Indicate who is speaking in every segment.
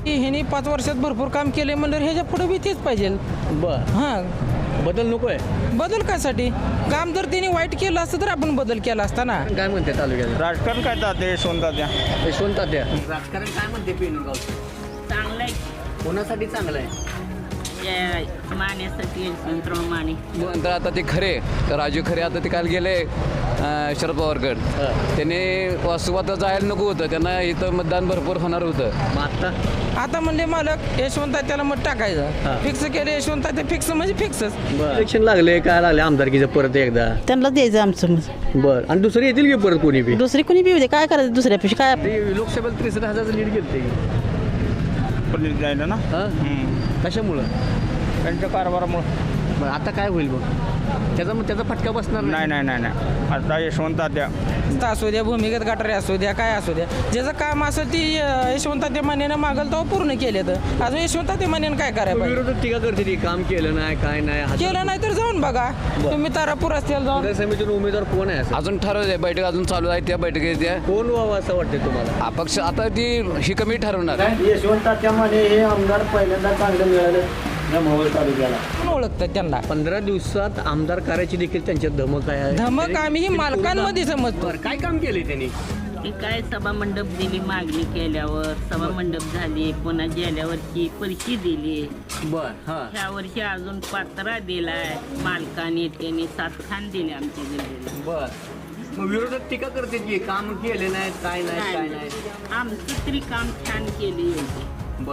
Speaker 1: ह्यानी 5 वर्षात भरपूर काम केले म्हणलं ह्याच्या पुढे बी तेच पाहिजे.
Speaker 2: बर
Speaker 1: हां
Speaker 2: बदल नकोय.
Speaker 1: बदल कासाठी? काम जर त्यांनी वाईट केलं असतं तर आपण बदल केला असता ना.
Speaker 2: काय म्हणते तालुक्यात
Speaker 3: राजकारण काय तात्या यशवंत तात्या
Speaker 2: यशवंत तात्या राजकारण काय म्हणते पेनगावचं?
Speaker 4: चांगलं आहे
Speaker 2: कोणासाठी चांगलं आहे?
Speaker 4: माण्यासाठी यशवंतराव माने.
Speaker 5: तर आता ते खरे राजू खरे आता ते काल गेले शरद पवारकड. त्यांनी सुरुवात जायला नको होतं, त्यांना इथं मतदान भरपूर होणार होतं.
Speaker 2: मग आता
Speaker 1: आता म्हणले मालक यशवंत त्याला मत टाकायचं. फिक्स केले यशवंत ते फिक्स म्हणजे फिक्सच.
Speaker 2: इलेक्शन लागले काय लागले आमदारकीचं परत एकदा?
Speaker 6: त्यांना द्यायचं आमचं मत.
Speaker 2: बर आणि दुसरे येतील की परत कोणी बी?
Speaker 6: दुसरी कोणी बी येऊ दे, काय करायचं दुसऱ्यापेक्षा काय.
Speaker 2: ते लोकसभेला 63,000 लीड घेतले
Speaker 3: पण जायला ना
Speaker 2: कशामुळं?
Speaker 3: त्यांच्या कारभारामुळे.
Speaker 2: बरं आता काय होईल मग? त्याचा फटका बसणार
Speaker 3: नाही नाही नाही नाही आता यशवंत तात्या
Speaker 1: असू द्या, भूमिगत गटारे असू द्या, काय असू द्या, ज्याचं काम असं ती यशवंत ते मानेनं मागल तो पूर्ण केले. तर अजून यशवंत ते मानेनं काय करायला पाहिजे?
Speaker 2: विरोधात टीका करते ती काम केलं नाही काय नाही.
Speaker 1: केलं नाही तर जाऊन बघा तुम्ही तारापूर असतील जाऊन.
Speaker 2: पंचायत समितीतून उमेदवार कोण आहे असं?
Speaker 5: अजून ठरवलंय, बैठक अजून चालू आहे, त्या बैठकीत त्या
Speaker 2: कोण व्हावं असं वाटतं तुम्हाला?
Speaker 5: अपक्ष आता ती ही कमी ठरवणार.
Speaker 7: यशवंताच्या मध्ये हे आमदार पहिल्यांदा चांगलं मिळालं या मोहोळ तालुक्याला.
Speaker 1: कोण ओळखतात त्यांना?
Speaker 2: 15 दिवसात आमदार करायची देखील त्यांच्यात धमक आहे.
Speaker 1: धमक आम्ही ही मालकांमध्ये समजतो.
Speaker 2: बरं, काय काम केले त्यांनी?
Speaker 4: ते काय सभा मंडप दिली, मागणी केल्यावर सभा मंडप झाली, पुन्हा गेल्यावरची पैसे दिली.
Speaker 2: बर हा
Speaker 4: ह्या वर्षी अजून पात्रा दिलाय मालकाने, त्यांनी 7 खान दिले आमच्या गल्लीला.
Speaker 2: बर मग विरोधात टीका करते की काम केले नाही काय नाही काय नाही.
Speaker 4: आमचं तरी काम छान केले.
Speaker 2: बर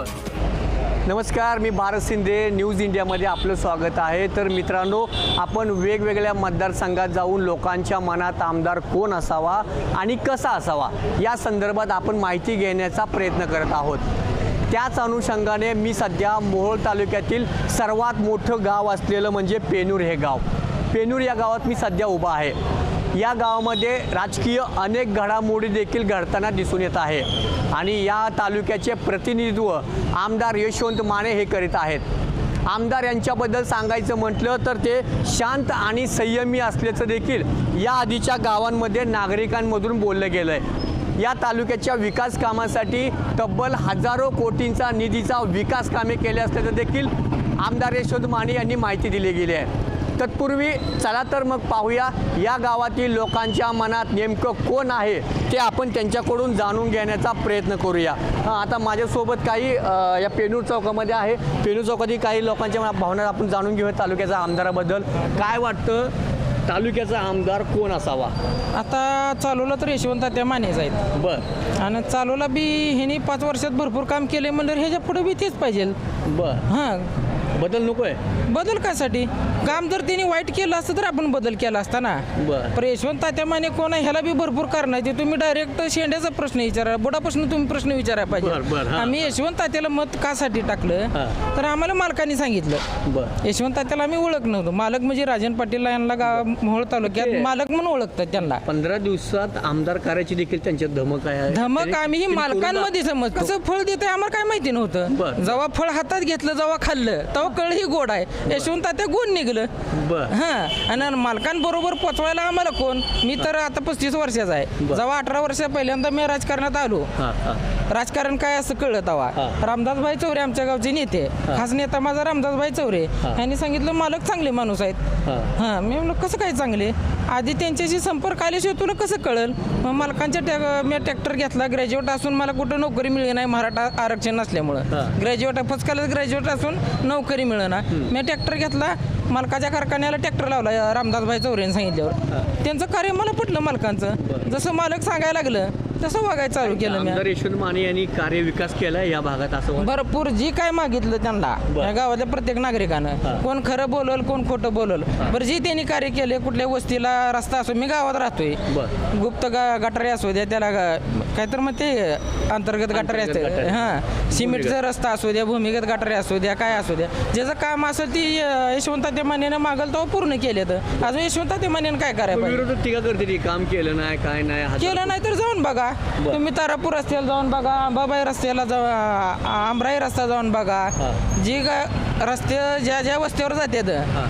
Speaker 2: नमस्कार, मी भारत शिंदे न्यूज इंडियामध्ये आपलं स्वागत आहे. तर मित्रांनो, आपण वेगवेगळ्या मतदारसंघात जाऊन लोकांच्या मनात आमदार कोण असावा आणि कसा असावा या संदर्भात आपण माहिती घेण्याचा प्रयत्न करत आहोत. त्याच अनुषंगाने मी सध्या मोहोळ तालुक्यातील सर्वात मोठं गाव असलेलं म्हणजे पेनूर हे गाव. पेनूर या गावात मी सध्या उभा आहे. या गावामध्ये राजकीय अनेक घडामोडी देखील घडताना दिसून येत आहे आणि या तालुक्याचे प्रतिनिधित्व आमदार यशवंत माने हे करीत आहेत. आमदार यांच्याबद्दल सांगायचं म्हटलं तर ते शांत आणि संयमी असल्याचं देखील या आधीच्या गावांमध्ये नागरिकांमधून बोललं गेलं आहे. या तालुक्याच्या विकास कामासाठी तब्बल हजारो कोटींचा निधीचा विकास कामे केले असल्याचं देखील आमदार यशवंत माने यांनी माहिती दिली गेली आहे. तत्पूर्वी चला तर मग पाहूया या गावातील लोकांच्या मनात नेमकं कोण आहे ते आपण त्यांच्याकडून जाणून घेण्याचा प्रयत्न करूया. आता माझ्यासोबत काही या पेनूर चौकामध्ये आहे. पेनूर चौकातील काही लोकांच्या भावना आपण जाणून घेऊया तालुक्याच्या आमदाराबद्दल. काय वाटतं, तालुक्याचा आमदार कोण असावा?
Speaker 1: आता चालवला तर यशवंत त्या मानेच आहेत.
Speaker 2: बर
Speaker 1: आणि चालवला बी ह्यानी 5 वर्षात भरपूर काम केले म्हणलं ह्याच्या पुढे बी तेच पाहिजे.
Speaker 2: बर
Speaker 1: हां
Speaker 2: बदल नकोय.
Speaker 1: बदल कासाठी? काम जर त्यांनी वाईट केलं असतं तर आपण बदल केला असता ना.
Speaker 2: बर
Speaker 1: पण यशवंत तात्या माने कोण आहे ह्याला बी भरपूर कारण आहे. ते तुम्ही डायरेक्ट शेंड्याचा प्रश्न विचारा, बुडापासून तुम्ही प्रश्न विचारायला
Speaker 2: बरं,
Speaker 1: पाहिजे.
Speaker 2: हां.
Speaker 1: आम्ही यशवंत तात्याला मत कासाठी टाकलं
Speaker 2: हां.
Speaker 1: तर आम्हाला मालकांनी सांगितलं.
Speaker 2: बर
Speaker 1: यशवंत तात्याला आम्ही ओळख नव्हतो. मालक म्हणजे राजन पाटील यांना गाव मोहोळ तालुक्यात मालक म्हणून ओळखतात त्यांना.
Speaker 2: 15 दिवसात आमदार करायची देखील त्यांच्यात धमक आहे.
Speaker 1: धमक आम्ही ही मालकांमध्ये समजतो. कसं फळ देतंय आम्हाला काय माहिती नव्हतं.
Speaker 2: बरं.
Speaker 1: जेव्हा फळ हातात घेतलं, जेव्हा खाल्लं तेव्हा कळ ही गोड आहे. यशवंत तात्या गुण निघलं.
Speaker 2: बर
Speaker 1: हां आणि मालकांबरोबर पोचवायला आम्हाला कोण? मी तर आता 35 वर्षाचा आहे. जेव्हा 18 वर्ष पहिल्यांदा मी राजकारणात आलो,
Speaker 2: हां हां
Speaker 1: राजकारण काय असं कळलं तेव्हा.
Speaker 2: हां.
Speaker 1: रामदासभाई चौरे आमच्या गावचे नेते, खास नेता माझा रामदासभाई चौरे यांनी सांगितलं मालक चांगले माणूस आहेत.
Speaker 2: हां
Speaker 1: हां मी म्हणलं कसं काय चांगले? आधी त्यांच्याशी संपर्क आल्याशिवाय तुला कसं कळेल? मग मालकांच्या मी ट्रॅक्टर घेतला. ग्रॅज्युएट असून मला कुठं नोकरी मिळली नाही मराठा आरक्षण नसल्यामुळं.
Speaker 2: हां.
Speaker 1: ग्रॅज्युएट फर्स्ट क्लास ग्रॅज्युएट असून नोकरी मिळेना. मी ट्रॅक्टर घेतला. मालकाच्या कारखान्याला ट्रॅक्टर लावला रामदासभाई चौरेने सांगितल्यावर. त्यांचं कार्य मला पटलं मालकांचं. जसं मालक सांगायला लागलं तसं वागायला चालू केलं मी.
Speaker 2: आमदार यशवंत माने यांनी कार्य विकास केला या भागात असं वाटतं?
Speaker 1: भरपूर जी काय मागितलं त्यांना या गावातल्या प्रत्येक नागरिकानं, कोण खरं बोलल कोण खोटं बोलल, बरं जी त्यांनी कार्य केले. कुठल्या वस्तीला रस्ता असो, मी गावात राहतोय, गुप्त गटारे असू द्या, त्याला काय तर मग ते अंतर्गत गटारे असते. हां सिमेंटचा रस्ता असू द्या, भूमिगत गटारे असू द्या, काय असू द्या, ज्याचं काम असेल ती यशवंत ते मानेनं मागल तो पूर्ण केले. तर अजून यशवंत ते मानेनं काय करायला पाहिजे?
Speaker 2: विरोधात टीका करते ती काम केलं नाही काय नाही.
Speaker 1: केलं नाही तर जाऊन बघा. तुम्ही तारापूर रस्त्याला जाऊन बघा, अंबाबाई रस्त्याला आमराई रस्ता जाऊन बघा. जी रस्ते ज्या ज्या वस्त्यावर जातात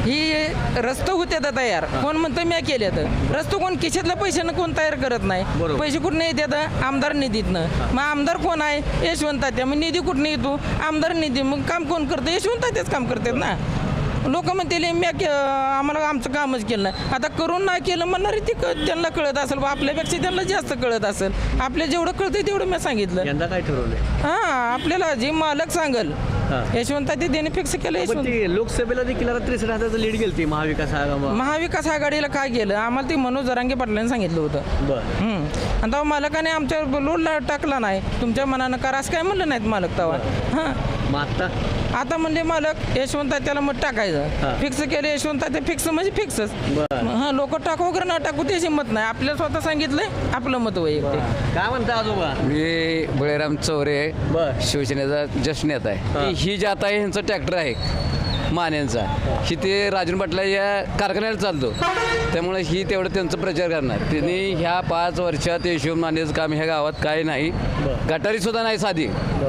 Speaker 1: ही रस्ते होते तर तयार, कोण म्हणतं मी केले तर रस्ते कोण खिशातल्या पैशानं कोण तयार करत नाही.
Speaker 2: बरोबर.
Speaker 1: पैसे कुठनं येतात? आमदार निधीतनं. मग आमदार कोण आहे? यशवंत तात्या. मग निधी कुठनं येतो? आमदार निधी. मग काम कोण करतं? यशवंत तात्याच काम करतात ना. लोक म्हणतील आम्हाला आमचं कामच केलं नाही. आता करून नाही केलं म्हणणारे ती त्यांना कळत असेल बा, आपल्यापेक्षा त्यांना जास्त कळत असेल. आपल्या जेवढं कळतंय तेवढं मी सांगितलं.
Speaker 2: यंदा काय ठरवलंय?
Speaker 1: हां, आपल्याला जे मालक सांगल यशवंत तात्या त्याने फिक्स केलं.
Speaker 2: पण
Speaker 1: यशवंत
Speaker 2: ती लोकसभेला देखील आता 63,000 लीड गेलती महाविकास आघाडी.
Speaker 1: महाविकास आघाडीला काय केलं? आम्हाला ते मनोज जरांगे पाटलांनी सांगितलं होतं.
Speaker 2: बरं.
Speaker 1: आणि तेव्हा मालकाने आमच्या लोडला टाकला नाही. तुमच्या मनानं करा असं काय म्हणलं नाहीत मालक तेव्हा. हां,
Speaker 2: मग
Speaker 1: आता म्हणले मालक यशवंत त्याला मग टाकायचं. फिक्स केलं यशवंत ते फिक्स म्हणजे फिक्सच.
Speaker 2: बरं.
Speaker 1: हां, लोक टाकू वगैरे ना टाकू त्याची मत नाही. आपल्याला स्वतः सांगितलंय आपलं मत वैयक्तिक.
Speaker 2: काय म्हणता आजोबा?
Speaker 5: मी बळीराम चौरे,
Speaker 2: बर.
Speaker 5: शिवसेनेचा जस्ट नेता आहे. ही जी आता आहे ह्यांचा ट्रॅक्टर आहे मान्यांचा, ही ते राजन पाटला या कारखान्याला चालतो, त्यामुळे ही तेवढं त्यांचा प्रचार करणार. त्यांनी ह्या 5 वर्षात यशवंत मानेचं काम ह्या गावात काही नाही, गटारी सुद्धा नाही साधी.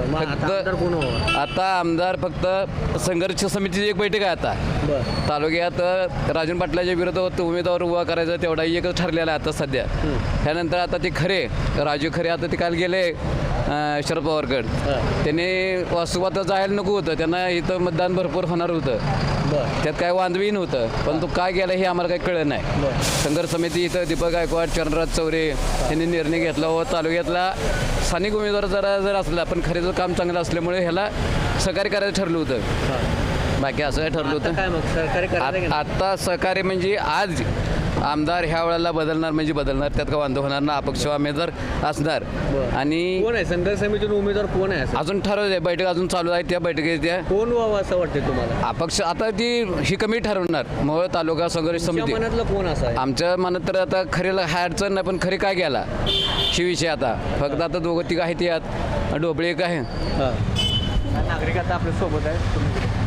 Speaker 5: फक्त आता आमदार फक्त संघर्ष समितीची एक बैठक आहे आता तालुक्यात. राजन पाटलाच्या विरोधात उमेदवार उभा करायचा तेवढा एकच ठरलेला आहे आता सध्या. त्यानंतर आता ते खरे राजू खरे आता ते काल गेले शरद पवारगड. त्यांनी वास्तवात जायला नको होतं, त्यांना इथं मतदान भरपूर होणार होतं, त्यात काय वांधवी नव्हतं. पण तो काय गेला हे आम्हाला काही कळलं नाही. संघर्ष समिती इथं दीपक गायकवाड, चरणराज चौरे यांनी निर्णय घेतला व तालुक्यातला स्थानिक उमेदवार जर असला पण खरेचं काम चांगलं असल्यामुळे ह्याला सहकार्य करायचं ठरलं होतं. बाकी असं ठरलं होतं. आता सहकार्य म्हणजे आज आमदार ह्या वेळेला बदलणार म्हणजे बदलणार, त्यात का वांधव होणार ना. अपक्ष उमेदवार असणार. आणि
Speaker 2: कोण आहे संघर्ष समितीतून उमेदवार कोण आहे?
Speaker 5: अजून ठरवलं बैठक अजून चालू आहे. त्या बैठकीत त्या
Speaker 2: कोण व्हावं असं वाटतं तुम्हाला?
Speaker 5: अपक्ष आता ती ही कमिटी ठरवणार. मोहोळ तालुका संघर्ष समिती.
Speaker 2: मनातलं कोण असं आहे?
Speaker 5: आमच्या मनात तर आता खरेला हा अडचण नाही, पण खरे काय गेला ही विषय आता फक्त आता दोघं तिघं आहेत यात. ढोबळे एक आहे.
Speaker 2: नागरिक आता आपल्या सोबत आहे.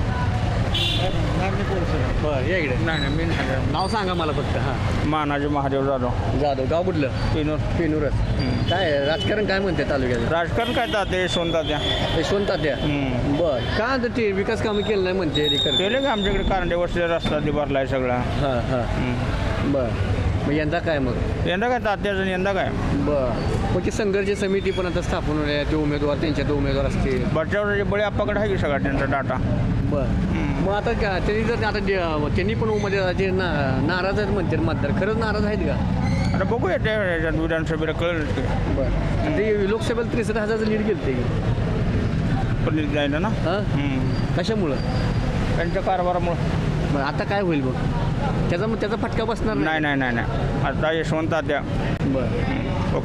Speaker 2: बरं, या इकडे.
Speaker 3: नाही मी
Speaker 2: नाव सांगा मला फक्त. हां,
Speaker 3: मानाजी महादेव जाधव,
Speaker 2: जाधव. गाव कुठलं?
Speaker 3: पिनूर.
Speaker 2: पेनूरच. काय राजकारण काय म्हणते तालुक्यात?
Speaker 3: राजकारण काय तात्या यशवंत तात्या.
Speaker 2: यशवंत तात्या. बर. काय म्हणते ते विकास कामं केलं नाही म्हणते
Speaker 3: केले का आमच्याकडे कारंडे वस्तीचा रस्ता ते भरलाय सगळा.
Speaker 2: हां हां. बर. मग यंदा काय मग?
Speaker 3: यंदा काय तात्याचं यंदा काय
Speaker 2: बर. मग ती संघर्ष समिती पण आता स्थापन होणार आहे. ते उमेदवार त्यांच्यात उमेदवार असतील.
Speaker 3: बच्चावर बळी आप्पाकडे आहे की सगळा त्यांचा डाटा.
Speaker 2: बर. मग आता का त्यांनी जर आता त्यांनी पण उमेदवाराचे नाराज आहेत म्हणते मतदार. खरंच नाराज आहेत का?
Speaker 3: आता बघूया त्या विधानसभेला कळलं की.
Speaker 2: बरं. ते लोकसभेला 63,000 लीड गेलते
Speaker 3: पण जायला ना.
Speaker 2: हां, कशामुळं?
Speaker 3: त्यांच्या कारभारामुळं.
Speaker 2: बरं, आता काय होईल मग? त्याचा फटका बसणार
Speaker 3: नाही नाही नाही नाही आता यशवंत तात्या.
Speaker 2: बरं.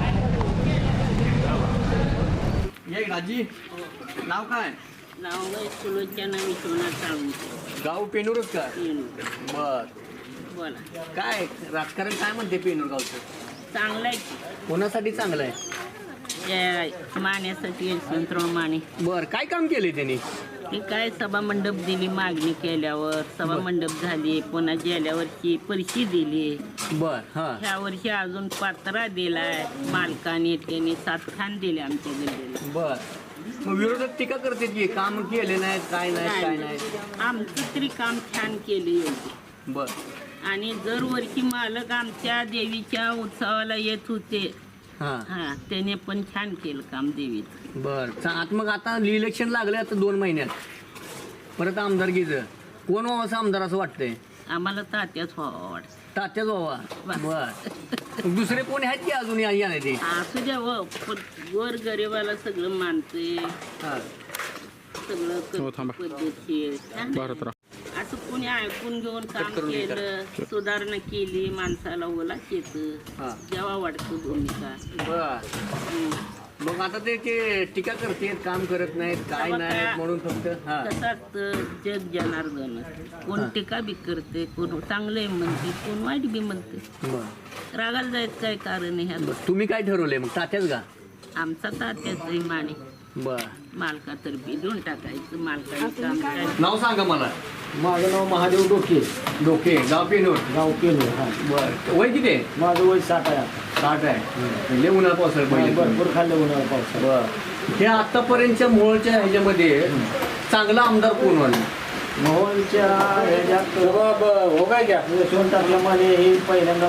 Speaker 2: ये राजी, नाव काय?
Speaker 4: नाव सुलोचना विश्वनाथ साळुंखे.
Speaker 2: गाव पेनूरच का?
Speaker 4: पेनूर.
Speaker 2: बर.
Speaker 4: बोला.
Speaker 2: काय राजकारण काय म्हणते पेनूर गावचं?
Speaker 4: चांगलं आहे की.
Speaker 2: कोणासाठी चांगलं आहे?
Speaker 4: त्या माण्यासाठी यशवंतराव माने.
Speaker 2: बर. काय काम केले त्यांनी?
Speaker 4: ते काय सभा मंडप दिली, मागणी केल्यावर सभा मंडप झाली, पुन्हा गेल्या वर्षी पैसे दिली.
Speaker 2: बर. हां.
Speaker 4: ह्या वर्षी अजून पात्रा दिलाय मालकाने, त्यांनी 7 खान दिले आमच्या गल्लीला.
Speaker 2: बर. मग विरोधक टीका करते की काम केले नाहीत, काय नाही काय नाही.
Speaker 4: आमचं तरी काम छान केले योग्य.
Speaker 2: बर.
Speaker 4: आणि दरवर्षी मालक आमच्या देवीच्या उत्सवाला येत होते.
Speaker 2: हां.
Speaker 4: हा, त्याने पण छान केलं काम देवीचं.
Speaker 2: बर. मग आता इलेक्शन लागले आता 2 महिन्यात परत आमदारकीचं कोण व्हावं असं आमदार असं वाटतंय?
Speaker 4: आम्हाला तात्याच व्हावं वाटतं.
Speaker 2: तात्याच व्हावा. बर. दुसरे कोणी आहेत की अजून या नाही ते?
Speaker 4: असू द्या व, पण वर गरिबाला सगळं मानते,
Speaker 2: हां.
Speaker 4: सगळं पद्धतशीर. असं कोणी ऐकून घेऊन काम केलं, सुधारणा केली, माणसाला ओला येतं, जेव्हा वाटतं भूमिका.
Speaker 2: बर. मग आता ते टीका करते, काम करत नाहीत, काय नाही म्हणून फक्त.
Speaker 4: कसं असतं, जग जनार्दन. कोण टीका बी करते, कोण चांगले म्हणते, कोण वाईट बी म्हणते.
Speaker 2: बर.
Speaker 4: रागाला जायचं काय कारण आहे ह्यात?
Speaker 2: तुम्ही काय ठरवलंय मग? तात्याच का?
Speaker 4: आमचा तात्याच माने.
Speaker 2: बर.
Speaker 4: मालकातर्फे देऊन टाकायचं, मालकाने काम करायचं.
Speaker 2: नाव सांगा मला.
Speaker 7: माझं नाव महादेव डोके.
Speaker 2: डोके. गाव पेनूर.
Speaker 7: गाव पेनूर. हां.
Speaker 2: बर. वय किती आहे?
Speaker 7: माझं वय 60 आहे.
Speaker 2: 60 आहे. लय उन्हाळा पावसाळा पहिले.
Speaker 7: भरपूर खाल्लं उन्हाळा पावसाळा.
Speaker 2: बर. हे आतापर्यंतच्या मोळच्या ह्याच्यामध्ये चांगला आमदार कोण व्हाल?
Speaker 7: मोहोळच्या ह्याच्यात यशवंत माने हे पहिल्यांदा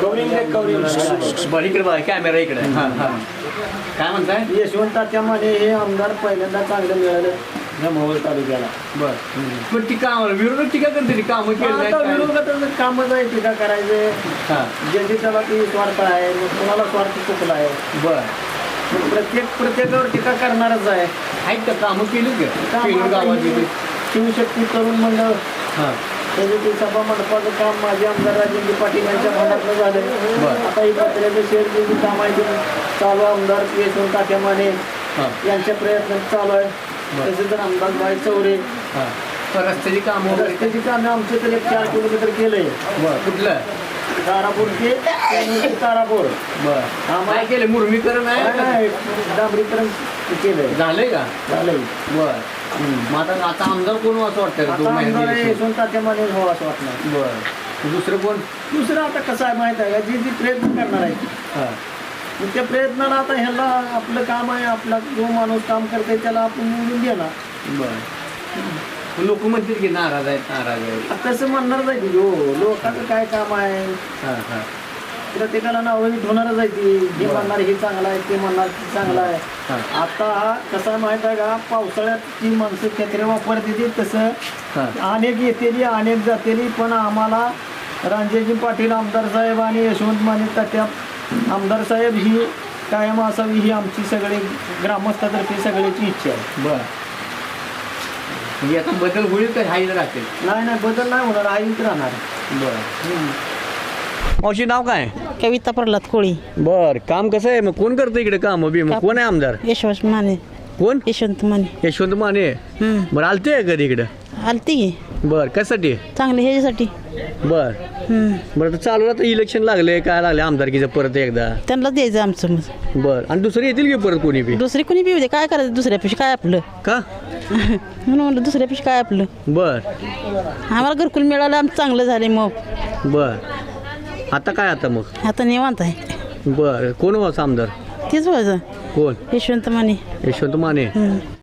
Speaker 2: बरं इकडे बघा कॅमेरा इकडे काय म्हणताय
Speaker 7: यशवंत माने हे आमदार पहिल्यांदा चांगलं मिळालं या मोहोळ तालुक्याला.
Speaker 2: बरं पण ती काम विरोधक टीका करते कामं केली
Speaker 7: आता विरोधाचं कामच आहे टीका करायचे ज्याची त्याला ती स्वार्थ आहे मग कुणाला स्वार्थ चुकला आहे.
Speaker 2: बरं
Speaker 7: प्रत्येकावर टीका करणारच आहे.
Speaker 2: आहेत का कामं केली का गावात
Speaker 7: शिवशक्ती तरुण मंडळ त्याचे ते सभा मंडपाचं काम माझे आमदार राजेंद्र पाटील यांच्या भागातलं झालं. आता ही पत्र्याचं शेअरचे जे काम आहे ते चालू आमदार यशवंत तात्या माने यांच्या प्रयत्न चालू आहे. तसेच तर आमदार बाई चौरे
Speaker 2: रस्त्याची कामं
Speaker 7: रस्त्याची कामे आमचे तर 4 किलोमीटर केलंय.
Speaker 2: कुठलं
Speaker 7: तारापूर ते तारापूर
Speaker 2: काय केलं मुरमीकरण आहे
Speaker 7: डांबरीकरण केलंय.
Speaker 2: झालंय का
Speaker 7: झालंय.
Speaker 2: मग आता आमदार कोण असं वाटतं
Speaker 7: आता आमदार यशवंत तात्या माने हो असं वाटणार.
Speaker 2: बरं दुसरं कोण
Speaker 7: दुसरं आता कसं आहे माहित आहे का जी प्रयत्न करणार आहे मग त्या प्रयत्नाला आता ह्याला आपलं काम आहे आपला जो माणूस काम करते त्याला आपण निवडून देणार.
Speaker 2: बरं लोक म्हणतील की नाराज आहेत
Speaker 7: तसं म्हणणारच आहे की हो लोकांचं काय काम आहे प्रत्येकाला नावं होणारच आहे ती हे म्हणणार हे चांगलं आहे ते म्हणणार ते चांगलं आहे. आता हा कसा माहित आहे का पावसाळ्यात ती माणसं छत्र्या वापरते तसं अनेक येतेली अनेक जातेली पण आम्हाला रांजेजी पाटील आमदार साहेब आणि यशवंत माने तात्या आमदार साहेब ही कायम असावी ही आमची सगळे ग्रामस्थातर्फे सगळ्याची इच्छा आहे.
Speaker 2: बरं म्हणजे आता बदल होईल तर हाईल राहतील.
Speaker 7: नाही बदल नाही होणार हाईच राहणार.
Speaker 2: बरं मावशी नाव काय
Speaker 6: कविता प्रल्हाद कोळी.
Speaker 2: बर काम कसं आहे मग कोण करतं इकडे काम मग कोण आहे आमदार
Speaker 6: यशवंत माने.
Speaker 2: कोण
Speaker 6: यशवंत माने.
Speaker 2: यशवंत माने बरं आलते कधी इकडं
Speaker 6: आलती की
Speaker 2: बर कशासाठी
Speaker 6: चांगले ह्याच्यासाठी.
Speaker 2: बर बरं आता चालू आता इलेक्शन लागले काय लागले आमदारकीचं परत एकदा
Speaker 6: त्यांना द्यायचं आमचं मत.
Speaker 2: बर आणि दुसरे येतील की परत कोणी बी
Speaker 6: दुसरी कोणी पिऊ दे काय करायचं दुसऱ्यापेक्षा काय आपलं
Speaker 2: का
Speaker 6: म्हणून म्हणलं दुसऱ्यापेक्षा काय आपलं.
Speaker 2: बर
Speaker 6: आम्हाला घरकुल मिळालं आमचं चांगलं झाले मग.
Speaker 2: बर आता काय आता मग
Speaker 6: आता निवांत आहे.
Speaker 2: बर कोण व्हायचं आमदार
Speaker 6: तेच व्हायचं
Speaker 2: कोण
Speaker 6: यशवंत माने.
Speaker 2: यशवंत माने